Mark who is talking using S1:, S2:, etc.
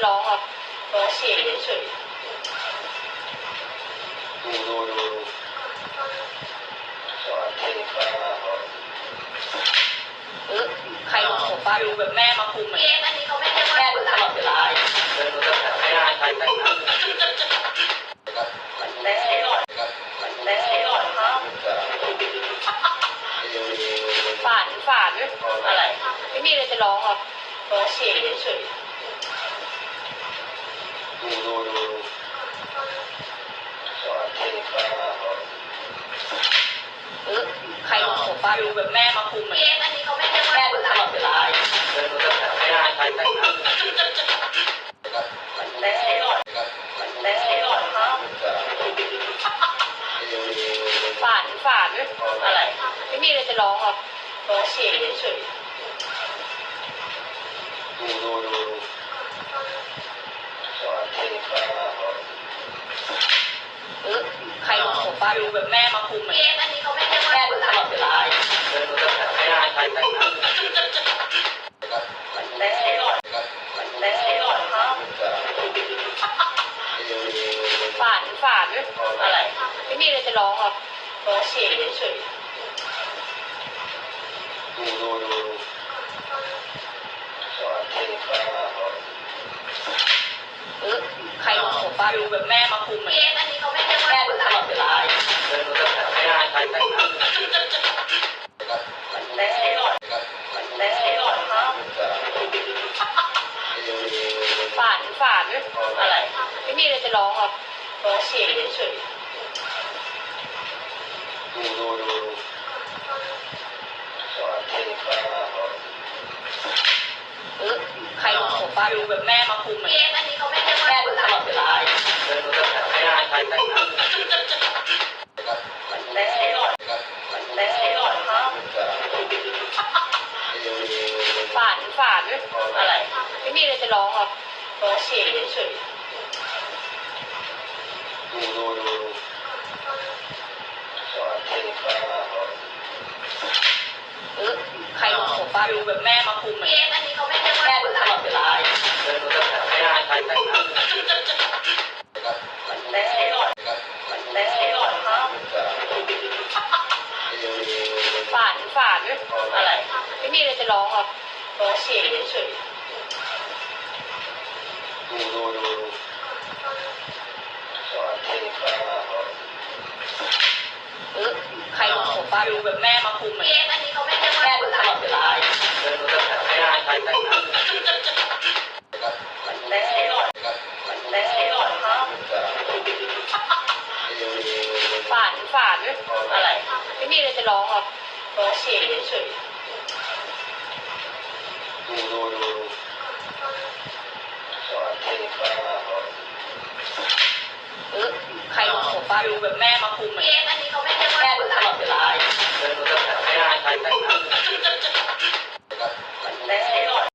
S1: ร้องครับร้องเฉยเฉย
S2: ดูสอนเทคนิคไปนะ
S1: ใครลงหัวป้าดูแบบแม่มาคุมเองอันนี้เขาไม่ได้แม่ดูตลอดเวลา
S2: เดินรู้จักแถวไม่ได้ใครแต่งงาน
S1: แม่หลอดแม่หลอดครับฝานอะไรไม่มีอะไรจะร้องครับร้องเฉยเฉย
S2: ดูสอนเทคนิคไปนะ
S1: ใครลงหัวป้าดูแบบแม่มาคุมเองอันนี้เขาไม่ได้แม่ดูตลอดเวลา
S2: เดินรู้จักแถวไม่ได้ใครแต่งงาน
S1: แม่หลอดครับฝานอะไรไม่มีอะไรจะร้องครับร้องเฉยเฉย
S2: ดูสอนเทคนิคไปนะ
S1: ใครลงหัวป้าดูแบบแม่มาคุมเองอันนี้เขาไม่ได้แม่ดูตลอดเวลา
S2: เดินรู้จักแถวไม่ได้ใครแต่งงาน
S1: แม่หลอดครับฝานอะไรไม่มีอะไรจะร้องครับร้องเฉยเฉย
S2: ดูสอนเทคนิคไปนะ
S1: ใครลงหัวป้าดูแบบแม่มาคุมเองอันนี้เขาไม่ได้แม่ดูตลอดเวลา
S2: เดินรู้จักแถวไม่ได้ใครแต่งงาน
S1: แม่หลอดครับฝานอะไรไม่มีอะไรจะร้องครับร้องเฉยเฉย
S2: ดูสอนเทคนิคไปนะ
S1: ใครลงหัวป้าดูแบบแม่มาคุมเองอันนี้เขาไม่ได้แม่ดูตลอดเวลา
S2: เดินรู้จักแถวไม่ได้ใครแต่งงาน
S1: แม่หลอดครับฝานอะไรไม่มีอะไรจะร้องครับร้องเฉยเฉย
S2: ดูสอนเทคนิคไปนะ
S1: ใครลงหัวป้าดูแบบแม่มาคุมเองอันนี้เขาไม่ได้แม่ดูตลอดเวลา
S2: เดินรู้จักแถวไม่ได้ใครแต่งงาน
S1: แม่หลอดครับฝานอะไรไม่มีอะไรจะร้องครับร้องเฉยเฉย
S2: ดูสอนเทคนิคไปนะ
S1: ใครลงหัวป้าดูแบบแม่มาคุมเองอันนี้เขาไม่ได้แม่ดูตลอดเวลา
S2: เดินรู้จักแถวไม่ได้ใครแต่งงาน
S1: แม่หลอดครับฝานอะไรไม่มีอะไรจะร้องครับร้องเฉยเฉย
S2: ดูสอนเทคนิคไปนะ
S1: ใครลงหัวป้าดูแบบแม่มาคุมเองอันนี้เขาไม่ได้แม่ดูตลอดเวลา
S2: เดินรู้จักแถวไม่ได้ใครแต่งงาน